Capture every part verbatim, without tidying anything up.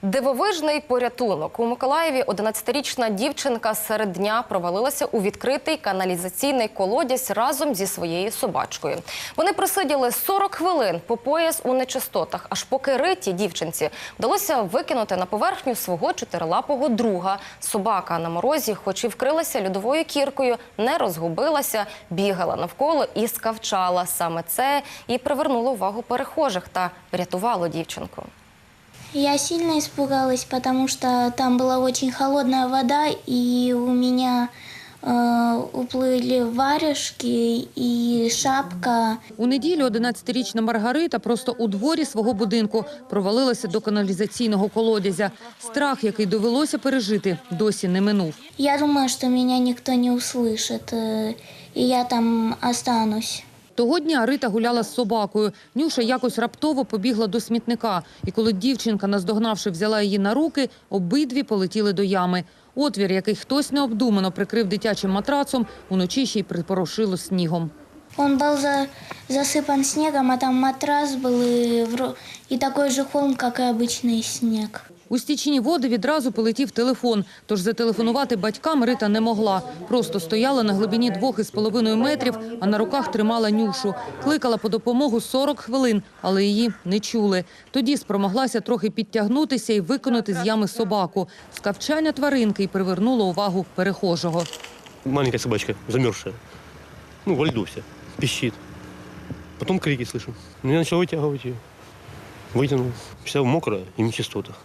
Дивовижний порятунок. У Миколаєві одинадцятирічна дівчинка серед дня провалилася у відкритий каналізаційний колодязь разом зі своєю собачкою. Вони просиділи сорок хвилин по пояс у нечистотах, аж поки ритій дівчинці вдалося викинути на поверхню свого чотирилапого друга. Собака на морозі, хоч і вкрилася льодовою кіркою, не розгубилася, бігала навколо і скавчала. Саме це і привернуло увагу перехожих та врятувало дівчинку. Я сильно испугалась, потому что там была очень холодная вода, и у меня э, уплыли варежки и шапка. У неділю одинадцятирічна Маргарита просто у дворі свого будинку провалилася до каналізаційного колодязя. Страх, який довелося пережити, досі не минув. Я думаю, что меня никто не услышит, э, и я там останусь. Того дня Рита гуляла з собакою. Нюша якось раптово побігла до смітника. І коли дівчинка, наздогнавши, взяла її на руки, обидві полетіли до ями. Отвір, який хтось необдумано прикрив дитячим матрацом, уночі ще й припорошило снігом. Он был за, засыпан снегом, а там матрас был и, вро- и такой же холм, как и обычный снег. У стічні води відразу полетів телефон, тож зателефонувати батькам Рита не могла. Просто стояла на глибині двох із половиною метрів, а на руках тримала Нюшу. Кликала по допомогу сорок хвилин, але її не чули. Тоді спромоглася трохи підтягнутися і виконати з ями собаку. Скавчання тваринки й привернуло увагу перехожого. Маленькая собачка, замерзшая. Ну, во льду вся, пищит. Потом крики слышу. Ну, я начал вытягивать ее. Вытянул. Вся мокрая и в нечистотах.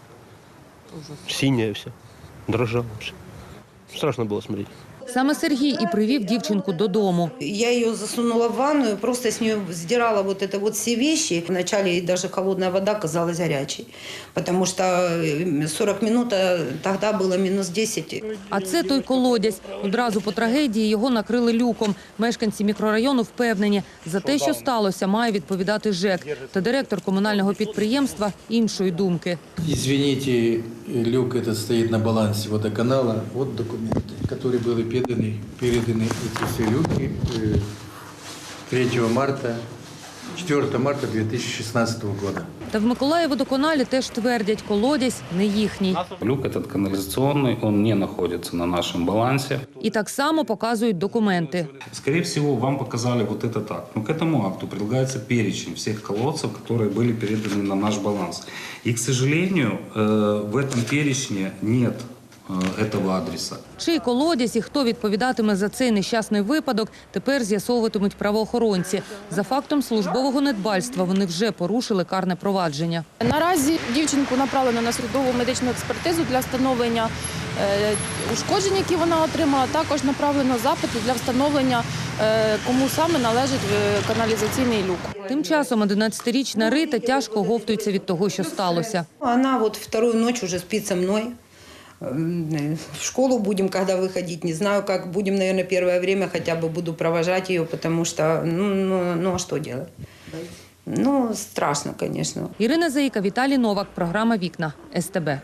Синяя вся, дрожала вся. Страшно было смотреть. Саме Сергій і привів дівчинку додому. Я ее засунула в ванную, просто с нее сдирала вот это вот все вещи. Вначале ей даже холодная вода казалась горячей, потому что сорок минут, а тогда было минус десять. А це той колодязь. Одразу по трагедії його накрили люком. Мешканці мікрорайону впевнені, за те, що сталося, має відповідати ЖЕК. Та директор комунального підприємства іншої думки. Извините, люк этот стоит на балансе водоканала. Вот документы, которые были переданы, переданы эти все люки третьего марта, четвёртого марта две тысячи шестнадцатого года. Та в Миколаївводоканалі теж твердять, колодязь не їхній. Люк этот канализационный, он не находится на нашем балансе. І так само показують документи. Скорее всего, вам показали вот этот акт. Но к этому акту прилагается перечень всех колодцев, которые были переданы на наш баланс. И, к сожалению, в этом перечне нет этого адреса. Чий колодязь і хто відповідатиме за цей нещасний випадок, тепер з'ясовуватимуть правоохоронці. За фактом службового недбальства вони вже порушили карне провадження. Наразі дівчинку направлено на судову медичну експертизу для встановлення е, ушкоджень, які вона отримала. Також направлено запит для встановлення, е, кому саме належить е, каналізаційний люк. Тим часом одинадцятирічна Рита тяжко оговтується від того, що сталося. Она вот вторую ночь уже спит со мной. В школу будем, когда выходить, не знаю, как будем, наверное, первое время хотя бы буду провожать ее, потому что, ну, ну, ну а что делать? Ну, страшно, конечно. Ірина Заїка, Віталій Новак, програма «Вікна», ес те бе.